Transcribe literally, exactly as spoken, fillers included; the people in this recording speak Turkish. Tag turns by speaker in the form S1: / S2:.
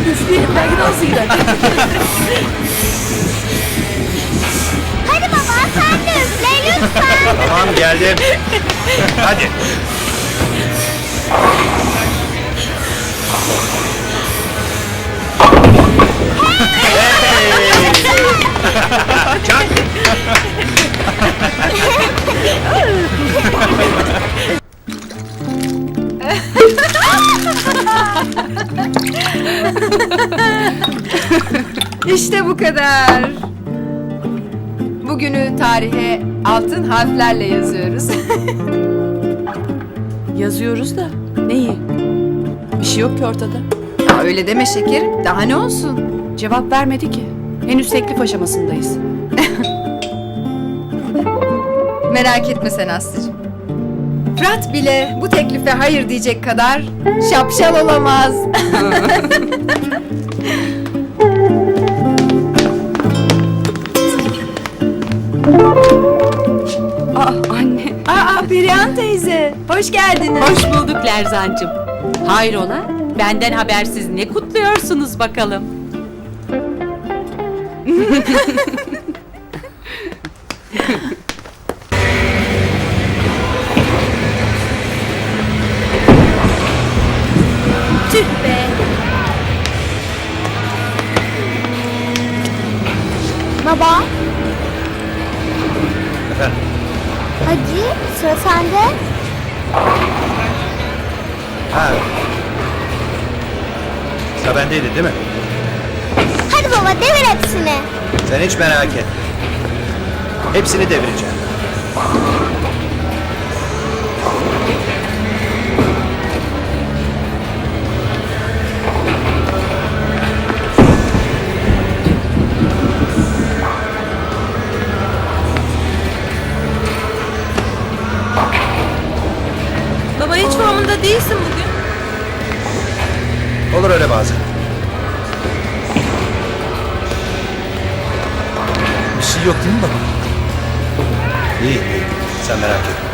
S1: Üfleyelim belki dansı gider.
S2: Hadi baba sen de üfle lütfen.
S3: Tamam geldim. Hadi. Hey! Çak.
S4: İşte bu kadar. Bugünü tarihe altın harflerle yazıyoruz.
S1: Yazıyoruz da neyi? Bir şey yok ki ortada.
S4: Ya öyle deme şekerim. Daha ne olsun?
S1: Cevap vermedi ki. Henüz teklif aşamasındayız.
S4: Merak etme sen Aslı'cığım. Fırat bile bu teklife hayır diyecek kadar şapşal olamaz.
S1: Aa anne.
S4: Aa Perihan teyze, hoş geldiniz.
S5: Hoş bulduk Lerzancığım. Hayrola? Benden habersiz ne kutluyorsunuz bakalım?
S2: Tüh be. Baba
S3: Efendim.
S2: hadi sıra sende.
S3: Ha. Sıra bendeydi değil mi?
S2: Hadi baba devir hepsini.
S3: Sen hiç merak etme. Hepsini devireceğim.
S4: Baba hiç formunda değilsin bugün.
S3: Olur öyle bazen. Bir şey yok değil mi baba? İyi, iyi. Sen merak etme.